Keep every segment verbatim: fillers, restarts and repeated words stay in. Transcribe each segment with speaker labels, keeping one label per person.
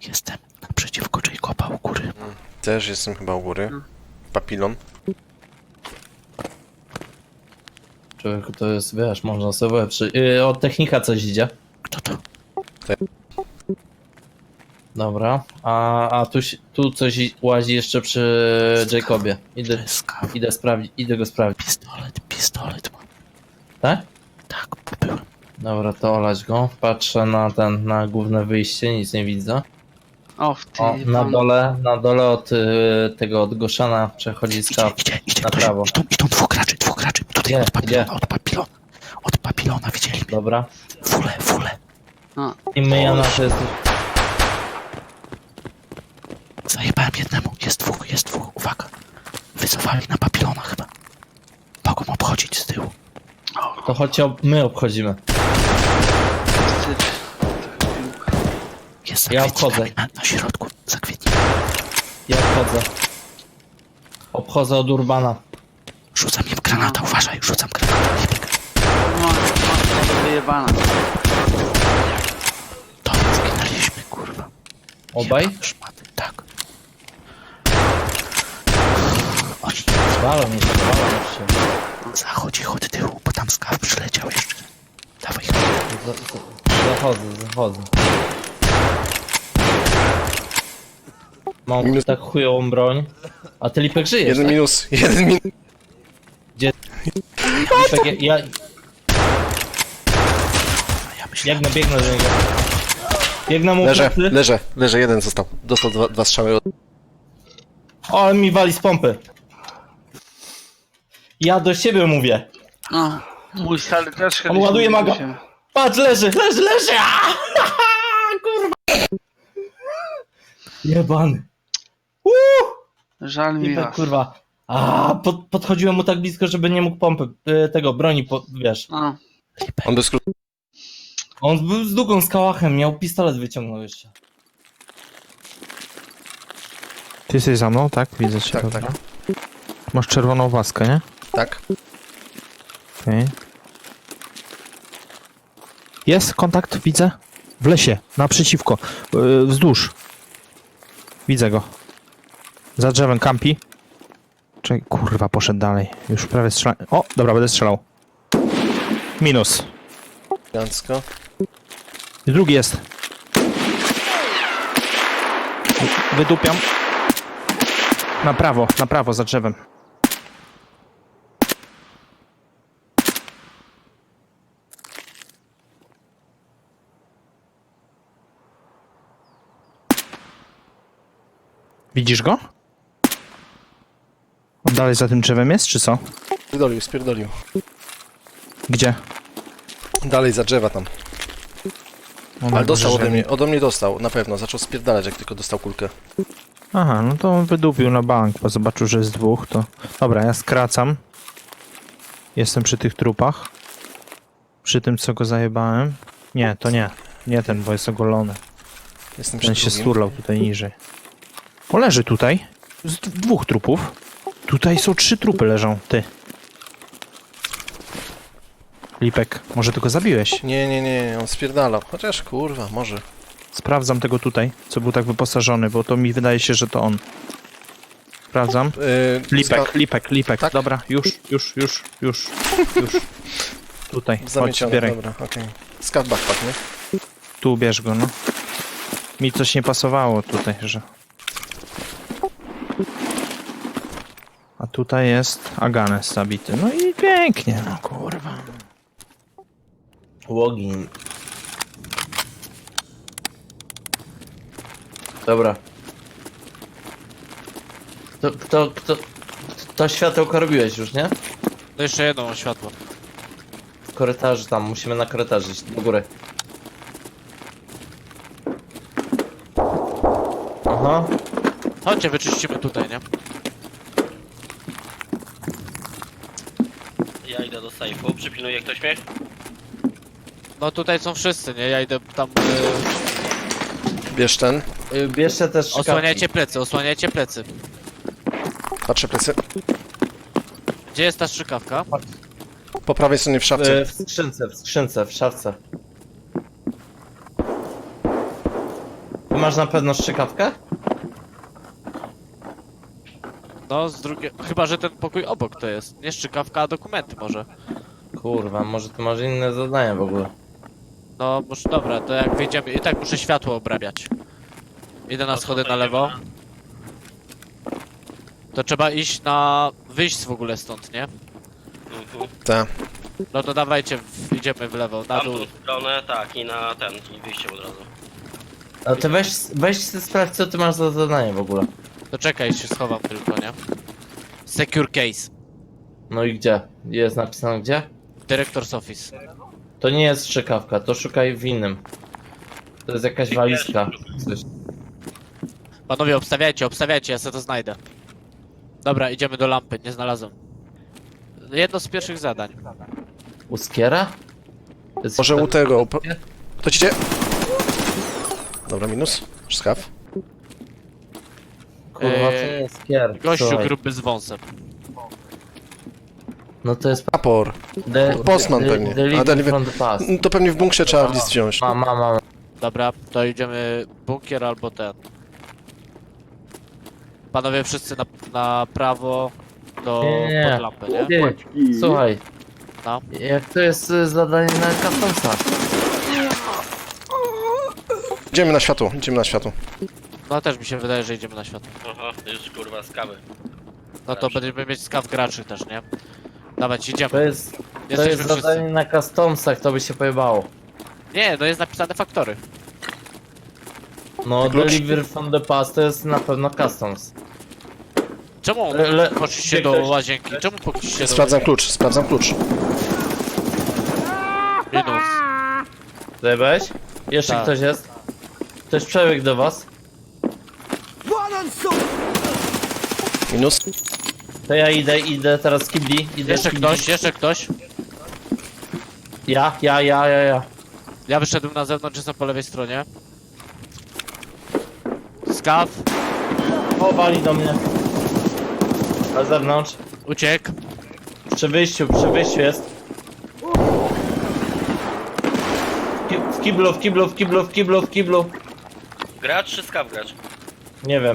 Speaker 1: Jestem naprzeciwko Jacoba u góry.
Speaker 2: Też jestem chyba u góry. Papilon.
Speaker 3: Człowieku, to jest, wiesz, można sobie przy... Yy, od technika coś idzie.
Speaker 1: Kto to?
Speaker 3: Dobra, a, a tu, się- tu coś i- łazi jeszcze przy Jacobie. Idę,
Speaker 1: Kreska.
Speaker 3: idę sprawdzić, idę go sprawdzić.
Speaker 1: Pistolet, pistolet mam.
Speaker 3: Tak?
Speaker 1: Tak, byłem.
Speaker 3: Dobra, to olać go. Patrzę na ten, na główne wyjście, nic nie widzę.
Speaker 4: O, w ty...
Speaker 3: O, na dole, na dole od y, tego, od Goszana przechodzi
Speaker 1: Idzie,
Speaker 3: skaw.
Speaker 1: idzie, idzie
Speaker 3: na
Speaker 1: ktoś.
Speaker 3: prawo.
Speaker 1: Idą, idą dwóch graczy, dwóch graczy. Tutaj
Speaker 3: Gdzie?
Speaker 1: od papilona,
Speaker 3: Gdzie?
Speaker 1: od papilona. Od papilona widzieli mnie.
Speaker 3: Dobra.
Speaker 1: Fule, fule.
Speaker 4: A,
Speaker 3: I my, ja na to jest...
Speaker 1: Zajebałem jednemu. Jest dwóch, jest dwóch. Uwaga. Wycofali na papilona chyba. Mogą obchodzić z tyłu.
Speaker 3: To choć ob... my obchodzimy.
Speaker 4: wstyd.
Speaker 1: Jest za
Speaker 3: Ja
Speaker 1: kwietnikami
Speaker 3: obchodzę.
Speaker 1: na, na środku. Za kwietnikami.
Speaker 3: Ja obchodzę. Obchodzę od Urbana.
Speaker 1: Rzucam im granata, uważaj. Rzucam granata. Nie biegaj.
Speaker 4: No, no, wyjebana.
Speaker 1: To zginęliśmy, kurwa.
Speaker 3: Obaj?
Speaker 1: Jebane szmaty. Tak. Oni
Speaker 3: Walą mnie się, walą mnie się.
Speaker 1: zachodzi od tyłu, bo tam skaw przyleciał jeszcze. Dawaj.
Speaker 3: Za- za- Zachodzę, zachodzę. Mam
Speaker 2: Minus-
Speaker 3: tak chujową broń. A ty Lipek żyjesz,
Speaker 2: Jeden
Speaker 3: tak?
Speaker 2: minus, jeden minus.
Speaker 3: Lipek, ja, ja
Speaker 1: A ja myślę,
Speaker 3: biegnę, biegnę do niego. Biegnę mu
Speaker 2: Leżę,
Speaker 3: plecy.
Speaker 2: leżę, leżę, jeden został. Dostał dwa, dwa strzały. od-
Speaker 3: O, ale mi wali z pompy. Ja do siebie mówię.
Speaker 4: No, mój stary też
Speaker 3: On ładuje maga. Patrz, leży, leży, leży! Aaa! Kurwa! Jebany. Uuu!
Speaker 4: Żal mi
Speaker 3: Lipek,
Speaker 4: was.
Speaker 3: kurwa. A, pod, podchodziłem mu tak blisko, żeby nie mógł pompy, y, tego, broni, po, wiesz.
Speaker 4: No,
Speaker 2: On bez skrótu.
Speaker 3: On był z długą, z kałachem, miał pistolet wyciągnął jeszcze.
Speaker 5: Ty jesteś za mną, tak? Widzę cię.
Speaker 2: Tak,
Speaker 5: dobra.
Speaker 2: tak.
Speaker 5: Masz czerwoną waskę, nie?
Speaker 2: Tak.
Speaker 5: Okej. Jest kontakt, widzę. W lesie, naprzeciwko. Yy, wzdłuż. Widzę go. Za drzewem kampi. Czekaj, kurwa, poszedł dalej. Już prawie strzelał. O, dobra, będę strzelał. Minus.
Speaker 2: Elegancko.
Speaker 5: I drugi jest. Wydupiam. Na prawo, na prawo, za drzewem. Widzisz go? On dalej za tym drzewem jest, czy co?
Speaker 2: Spierdolił, spierdolił.
Speaker 5: Gdzie?
Speaker 2: Dalej za drzewa tam.
Speaker 5: On
Speaker 2: Ale dostał
Speaker 5: może,
Speaker 2: ode
Speaker 5: że-
Speaker 2: mnie, ode mnie dostał, na pewno. Zaczął spierdalać, jak tylko dostał kulkę.
Speaker 5: Aha, no to on wydupił na bank, bo zobaczył, że jest dwóch, to... Dobra, ja skracam. Jestem przy tych trupach. Przy tym, co go zajebałem. Nie, to nie. Nie ten, bo jest ogolony.
Speaker 2: Jestem przy
Speaker 5: Ten się
Speaker 2: drugim.
Speaker 5: sturlał tutaj niżej. O, leży tutaj. Z d- dwóch trupów. Tutaj są trzy trupy leżą, ty. Lipek, może ty go zabiłeś?
Speaker 2: Nie, nie, nie, on spierdalał. Chociaż kurwa, może.
Speaker 5: Sprawdzam tego tutaj, co był tak wyposażony, bo to mi wydaje się, że to on. Sprawdzam.
Speaker 2: Yy,
Speaker 5: Lipek,
Speaker 2: ska-
Speaker 5: Lipek, Lipek.
Speaker 2: Tak?
Speaker 5: Dobra, już, już, już, już, już. Tutaj, chodź,
Speaker 2: Zamiecione,
Speaker 5: zbieraj.
Speaker 2: dobra, okej. Skat backpack, nie?
Speaker 5: Tu bierz go, no. Mi coś nie pasowało tutaj, że... A tutaj jest Aganes zabity. No i pięknie, no kurwa.
Speaker 3: Łogin. Dobra. Kto, kto, kto... To światełko robiłeś już, nie?
Speaker 6: To jeszcze jedno mam światło.
Speaker 3: W korytarzu tam, musimy na korytarzu iść, do góry. Aha.
Speaker 6: Chodźcie, wyczyścimy tutaj, nie?
Speaker 7: Ja idę do sejfu, przypilnuje ktoś mnie?
Speaker 6: No tutaj są wszyscy, nie? Ja idę tam... y,
Speaker 2: Bierz ten.
Speaker 3: Y, Bierzcie też szkawki.
Speaker 6: osłaniajcie plecy, osłaniajcie plecy.
Speaker 2: Patrzę plecy.
Speaker 6: Gdzie jest ta strzykawka?
Speaker 2: Po prawej stronie w szafce.
Speaker 3: Y, W skrzynce, w skrzynce, w szafce. masz na pewno strzykawkę?
Speaker 6: No, z drugiej... Chyba, że ten pokój obok to jest. Nie szczykawka, a dokumenty może.
Speaker 3: Kurwa, może ty masz inne zadania w ogóle.
Speaker 6: No, może dobra, to jak wyjdziemy... I tak muszę światło obrabiać. Idę na schody na lewo. To trzeba iść na... Wyjść w ogóle stąd, nie?
Speaker 7: Mhm.
Speaker 2: Ta.
Speaker 6: No to dawajcie, w... idziemy w lewo, na dół.
Speaker 7: Tamtą stronę, tak, i na ten, i wyjście od razu.
Speaker 3: A ty weź, weź sobie sprawdź, co ty masz za zadanie w ogóle.
Speaker 6: To czekaj, się schowam tylko, nie? Secure case.
Speaker 3: No i gdzie? Jest napisane gdzie?
Speaker 6: Director's office.
Speaker 3: To nie jest strzykawka, to szukaj w innym. To jest jakaś walizka. Coś.
Speaker 6: Panowie, obstawiajcie, obstawiajcie, ja sobie to znajdę. Dobra, idziemy do lampy, nie znalazłem. Jedno z pierwszych zadań.
Speaker 3: Uskiera? To jest
Speaker 2: Może u
Speaker 3: chyba-
Speaker 2: tego... po- To ci idzie. Dobra, minus. Skaw.
Speaker 3: Kurwa, to nie
Speaker 6: Eee,
Speaker 3: jest skier.
Speaker 6: Gościu
Speaker 3: Słuchaj.
Speaker 6: gruby z wąsem.
Speaker 3: No to jest...
Speaker 2: Apor.
Speaker 3: De,
Speaker 2: Postman pewnie. A,
Speaker 3: Deliver
Speaker 2: deliver-
Speaker 3: from the past.
Speaker 2: To pewnie w bunkrze trzeba list wziąć.
Speaker 3: Mam, mam, mam.
Speaker 6: Dobra, to idziemy bunkier albo ten. Panowie wszyscy na, na prawo do
Speaker 3: Nie, nie.
Speaker 6: pod lampę, nie?
Speaker 3: Ty, słuchaj.
Speaker 6: No.
Speaker 3: Jak to jest y, zadanie na customsach?
Speaker 2: Idziemy na światło, idziemy na światło.
Speaker 6: No też mi się wydaje, że idziemy na światło.
Speaker 7: Aha, już kurwa skawy.
Speaker 6: No to będziemy mieć skaw graczy też, nie? Dawać,
Speaker 3: To
Speaker 6: idziemy.
Speaker 3: jest, to
Speaker 6: Jesteśmy
Speaker 3: jest
Speaker 6: wszyscy.
Speaker 3: zadanie na customsach, to by się pojebało.
Speaker 6: Nie, no jest napisane faktory.
Speaker 3: No,
Speaker 2: Klucz?
Speaker 3: deliver from the past to jest na pewno customs.
Speaker 6: Czemu
Speaker 3: Le- le-
Speaker 6: poszliście
Speaker 3: gdzie
Speaker 6: do
Speaker 3: ktoś-
Speaker 6: łazienki? Czemu poszliście do
Speaker 2: Sprawdzam klucz, sprawdzam klucz.
Speaker 6: Minus.
Speaker 3: Zajebałeś? Jeszcze
Speaker 6: Tak.
Speaker 3: ktoś jest? Ktoś przebiegł do was?
Speaker 2: Minus.
Speaker 3: To ja idę, idę teraz z kibli. Idę
Speaker 6: Jeszcze
Speaker 3: z kibli.
Speaker 6: ktoś, jeszcze ktoś.
Speaker 3: Ja, ja, ja, ja, ja.
Speaker 6: Ja wyszedłem na zewnątrz, jestem po lewej stronie. Skaw,
Speaker 3: O, wali do mnie. Na zewnątrz.
Speaker 6: uciekł.
Speaker 3: Przy wyjściu, przy wyjściu jest. Ki- W kiblu, w kiblu, w kiblu, w kiblu, w kiblu.
Speaker 7: Gracz czy skaw gracz?
Speaker 3: Nie wiem.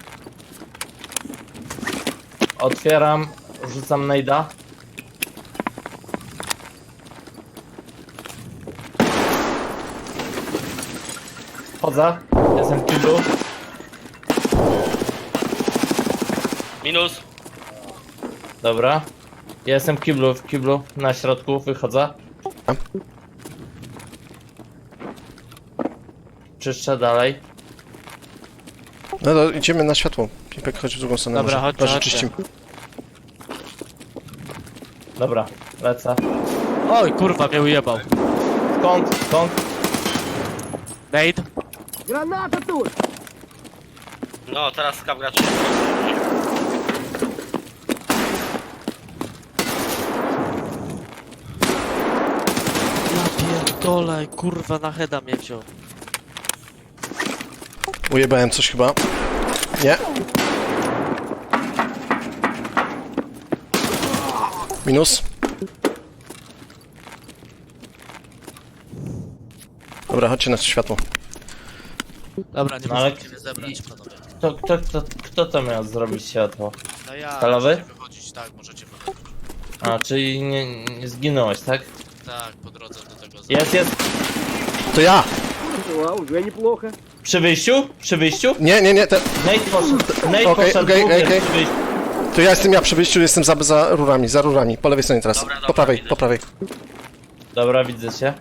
Speaker 3: Otwieram, rzucam najda. Chodzę, jestem w kiblu.
Speaker 7: Minus.
Speaker 3: Dobra. Ja jestem w kiblu, w kiblu, na środku, wychodzę. Czyszczę dalej.
Speaker 2: No to idziemy na światło. Pipek, chodź w drugą stronę.
Speaker 6: Dobra,
Speaker 2: może.
Speaker 6: chodźcie,
Speaker 2: Może
Speaker 6: chodźcie.
Speaker 2: czyścimy.
Speaker 3: Dobra, lecę.
Speaker 6: Oj, kurwa, mnie ujebał.
Speaker 3: Skąd, skąd?
Speaker 6: Nate,
Speaker 7: No, teraz skaw gracz.
Speaker 6: ja pierdolę, kurwa, na heada mnie wziął.
Speaker 2: Ujebałem coś chyba. Nie. Minus. Dobra, chodźcie na światło.
Speaker 6: Dobra, nie
Speaker 3: No, ale-
Speaker 6: możecie mnie zebrać, panowie.
Speaker 3: Kto, kto, kto, kto to miał zrobić światło?
Speaker 6: No ja,
Speaker 3: Stalowy?
Speaker 6: możecie wychodzić, tak, możecie wychodzić.
Speaker 3: A, czyli nie, nie zginąłeś, tak?
Speaker 6: Tak, po drodze do tego za...
Speaker 3: Jest, jest.
Speaker 2: To ja!
Speaker 3: Przy wyjściu? Przy wyjściu?
Speaker 2: Nie, nie, nie. Te...
Speaker 3: Nate poszedł. Nate
Speaker 2: Okej,
Speaker 3: poszedł.
Speaker 2: okej,
Speaker 3: głównie
Speaker 2: okej.
Speaker 3: przy wyjściu.
Speaker 2: To ja jestem ja przy wyjściu, jestem za, za rurami, za rurami. Po lewej stronie teraz.
Speaker 7: Dobra, dobra,
Speaker 2: po prawej,
Speaker 7: widzę.
Speaker 2: po prawej.
Speaker 3: Dobra, widzę cię.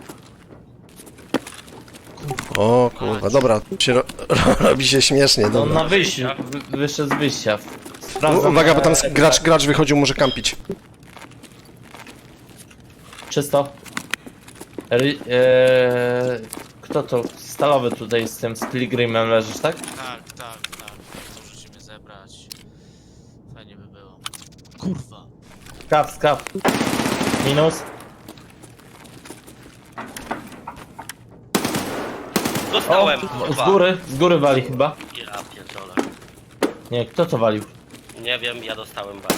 Speaker 2: O kurwa, dobra. Się ro... robi się śmiesznie,
Speaker 3: No
Speaker 2: dobra.
Speaker 3: na wyjściu. Wy, wyszedł z wyjścia.
Speaker 2: U,
Speaker 3: Sprawdzam.
Speaker 2: uwaga, bo tam
Speaker 3: e,
Speaker 2: gracz, gracz wychodził, może kampić.
Speaker 3: Czysto. Ry, e, kto to? Stalowy tutaj z tym, z Pilgrimem leżysz, tak?
Speaker 6: Tak, tak, tak. Możecie mnie zebrać. Fajnie by było. Kurwa.
Speaker 3: Skaw, skaw. Minus. O,
Speaker 7: Dostałem,
Speaker 3: z
Speaker 7: kurwa.
Speaker 3: góry, z góry wali chyba.
Speaker 7: Ja pierdolę.
Speaker 3: Nie, kto to walił?
Speaker 7: Nie wiem, ja dostałem bardzo.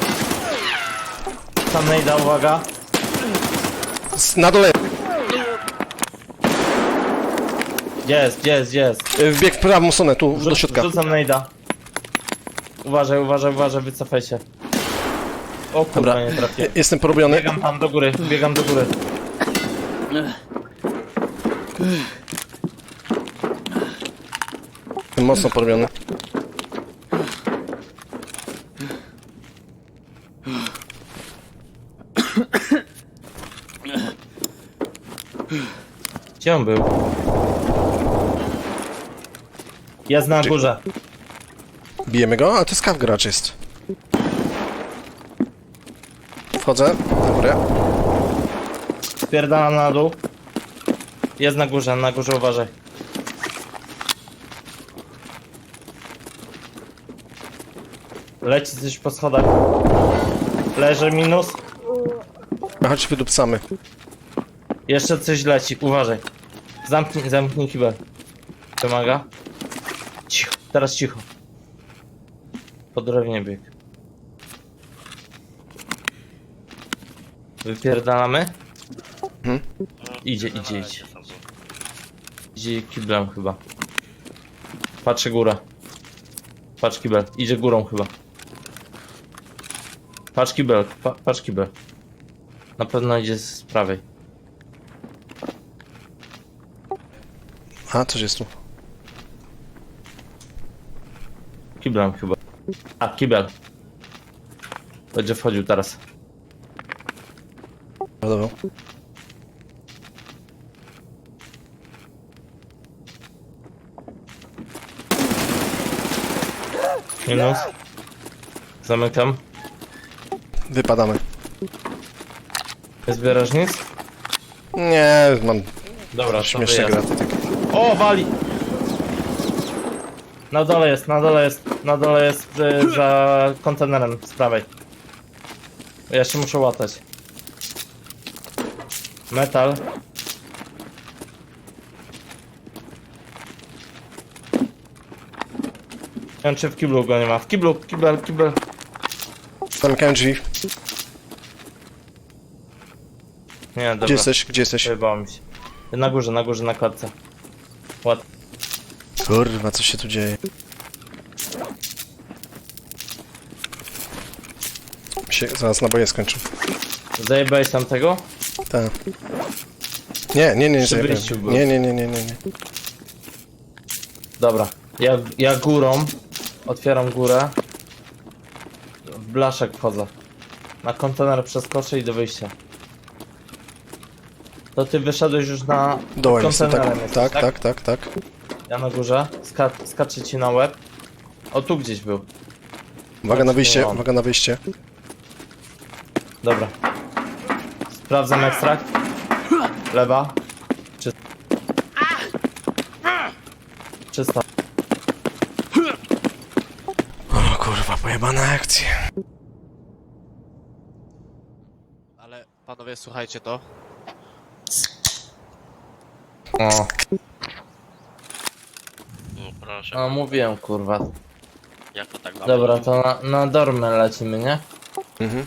Speaker 3: Tam najda, uwaga.
Speaker 2: S- Na dole.
Speaker 3: Gdzie jest, gdzie jest, gdzie jest?
Speaker 2: Y, Wbieg w prawą stronę, tu, do
Speaker 3: Rzuc-
Speaker 2: środka.
Speaker 3: Rzucam najda. Uważaj, uważaj, uważaj, wycofaj się. O kurwa,
Speaker 2: Dobra.
Speaker 3: nie trafię.
Speaker 2: Jestem porobiony.
Speaker 3: Biegam tam do góry, biegam do góry.
Speaker 2: Jestem mocno porobiony.
Speaker 3: Gdzie on był? Jest na górze.
Speaker 2: Bijemy go? A to skaw gracz jest. Wchodzę. Dobra.
Speaker 3: Spierdalam na dół. Jest na górze, na górze uważaj. Leci coś po schodach. Leży minus.
Speaker 2: A chodź wydupcamy.
Speaker 3: Jeszcze coś leci, uważaj. Zamknij, zamknij kibel. Wymaga. Cicho, teraz cicho. Po drewnie bieg. Wypierdalamy?
Speaker 2: Mhm.
Speaker 3: Idzie, idzie, idzie. Idzie kiblem chyba. Patrzę górę. Patrz kibel, idzie górą chyba. Patrz kibel, pa, patrz kibel. Na pewno idzie z prawej.
Speaker 2: A, coś jest tu.
Speaker 3: Kiblem chyba. A, kibel. Będzie wchodził teraz.
Speaker 2: Dobra.
Speaker 3: Minus. Zamykam.
Speaker 2: Wypadamy.
Speaker 3: Nie zbierasz nic?
Speaker 2: Nie, mam
Speaker 3: Dobra, to
Speaker 2: śmieszne
Speaker 3: wyjazd.
Speaker 2: graty takie.
Speaker 3: O, wali! Na dole jest, na dole jest, na dole jest y, za kontenerem z prawej. Ja się muszę łatać. Metal. Nie wiem, czy w kiblu go nie ma. W kiblu, kibel, kibel.
Speaker 2: Zamykałem drzwi.
Speaker 3: Nie, dobra.
Speaker 2: Gdzie jesteś? Gdzie jesteś?
Speaker 3: Wyjebało mi się. Na górze, na górze, na klatce. Ład.
Speaker 2: Kurwa, co się tu dzieje? Się zaraz naboje skończą.
Speaker 3: Zajebałeś tam tego?
Speaker 2: Tak. Nie, nie, nie, nie,
Speaker 3: Przy
Speaker 2: zajebałem.
Speaker 3: wyjściu był.
Speaker 2: nie, nie, nie, nie, nie, nie.
Speaker 3: Dobra. Ja, ja górą otwieram górę. W blaszek wchodzę. Na kontener przeskoczę i do wyjścia. To ty wyszedłeś już na
Speaker 2: Dołem jestem,
Speaker 3: kontenerem
Speaker 2: tak,
Speaker 3: jesteś,
Speaker 2: tak, tak, tak, tak.
Speaker 3: Ja na górze. Ska skaczę ci na łeb. O, tu gdzieś był.
Speaker 2: Uwaga na wyjście,
Speaker 3: Nie mam.
Speaker 2: uwaga na wyjście.
Speaker 3: Dobra. Sprawdzam ekstrakt. Lewa. Czysta. Czysta.
Speaker 2: O kurwa, pojebana akcja.
Speaker 6: Ale panowie, słuchajcie to.
Speaker 3: O.
Speaker 7: No proszę,
Speaker 3: No mówiłem, kurwa.
Speaker 7: jak to tak ma
Speaker 3: Dobra,
Speaker 7: być?
Speaker 3: to na, na dormę lecimy, nie?
Speaker 2: Mhm.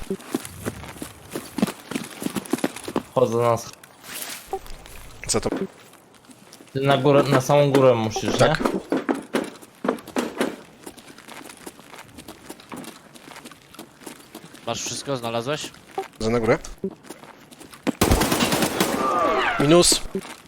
Speaker 3: Wchodzę na sch-
Speaker 2: Co to?
Speaker 3: Ty na górę, na samą górę musisz,
Speaker 2: Tak.
Speaker 3: nie?
Speaker 6: Masz wszystko? Znalazłeś?
Speaker 2: Za na górę? Minus.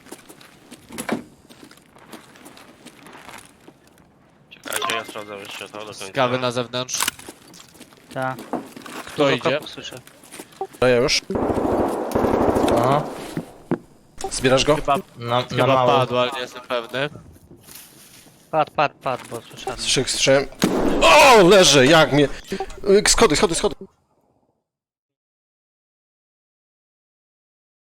Speaker 7: Czekajcie, ja sprawdzę jeszcze to do końca.
Speaker 6: Skawy na zewnątrz.
Speaker 4: Tak.
Speaker 6: Kto idzie?
Speaker 4: Słyszę.
Speaker 2: A ja już.
Speaker 3: Aha.
Speaker 2: Zbierasz go?
Speaker 6: Chyba,
Speaker 3: Na, na
Speaker 6: chyba
Speaker 3: mało.
Speaker 6: padł, ale nie jestem pewny.
Speaker 4: Pad, pad, pad, bo słyszałem.
Speaker 2: Strzech, strzem. O, leży, jak mnie. Y, Schody, schody, schody.